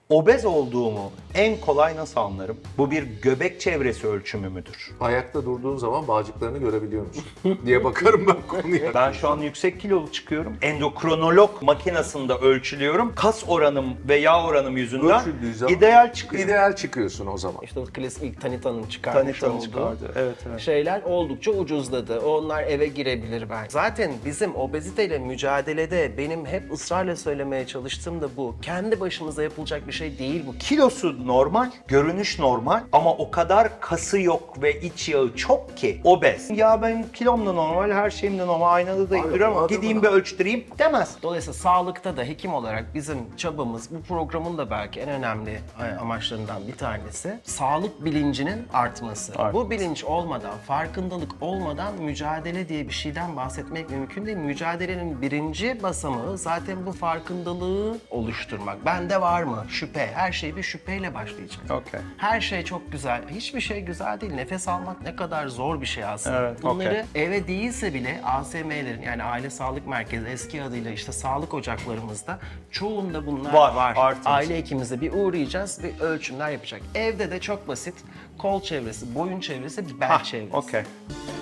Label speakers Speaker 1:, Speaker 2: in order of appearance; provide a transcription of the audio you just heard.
Speaker 1: Obez olduğumu en kolay nasıl anlarım? Bu bir göbek çevresi ölçümü müdür?
Speaker 2: Ayakta durduğun zaman bağcıklarını görebiliyor musun diye bakarım ben konuya.
Speaker 1: Ben şu an yüksek kilolu çıkıyorum. Endokrinolog makinesinde ölçülüyorum. Kas oranım ve yağ oranım yüzünden
Speaker 2: Ölçüldüğü zaman
Speaker 1: ideal çıkıyor.
Speaker 2: İdeal çıkıyorsun o zaman.
Speaker 3: İşte o klasik ilk Tanita'nın çıkarmış
Speaker 1: Tanıtım
Speaker 3: olduğu
Speaker 1: çıkardı. Evet, evet.
Speaker 3: şeyler oldukça ucuzladı. Onlar eve girebilir belki. Zaten bizim obeziteyle mücadelede benim hep ısrarla söylemeye çalıştığım da bu. Kendi başımıza yapılacak bir şey değil bu.
Speaker 1: Kilosu normal, görünüş normal ama o kadar kası yok ve iç yağı çok ki obez. Ya ben kilom da normal, her şeyim de normal, aynada da
Speaker 2: Aynen,
Speaker 1: duruyorum ama
Speaker 2: adamın-
Speaker 1: gideyim bir ölçtüreyim demez.
Speaker 3: Dolayısıyla sağlıkta da hekim olarak bizim çabamız, bu programın da belki en önemli amaçlarından bir tanesi sağlık bilincinin artması. Bu bilinç olmadan, farkındalık olmadan mücadele diye bir şeyden bahsetmek mümkün değil. Mücadelenin birinci basamağı zaten bu farkındalığı oluşturmak. Bende var mı? Şüphe. Her şey bir şüpheyle başlayacak.
Speaker 1: Okey.
Speaker 3: Her şey çok güzel. Hiçbir şey güzel değil. Nefes almak ne kadar zor bir şey aslında.
Speaker 1: Evet,
Speaker 3: Bunları eve değilse bile ASM'lerin, yani Aile Sağlık Merkezi, eski adıyla işte sağlık ocaklarımızda çoğunda bunlar
Speaker 1: Var, artık.
Speaker 3: Aile hekimimize bir uğrayacağız, bir ölçümler yapacak. Evde de çok basit. Kol çevresi, boyun çevresi, bel çevresi.
Speaker 1: Okey.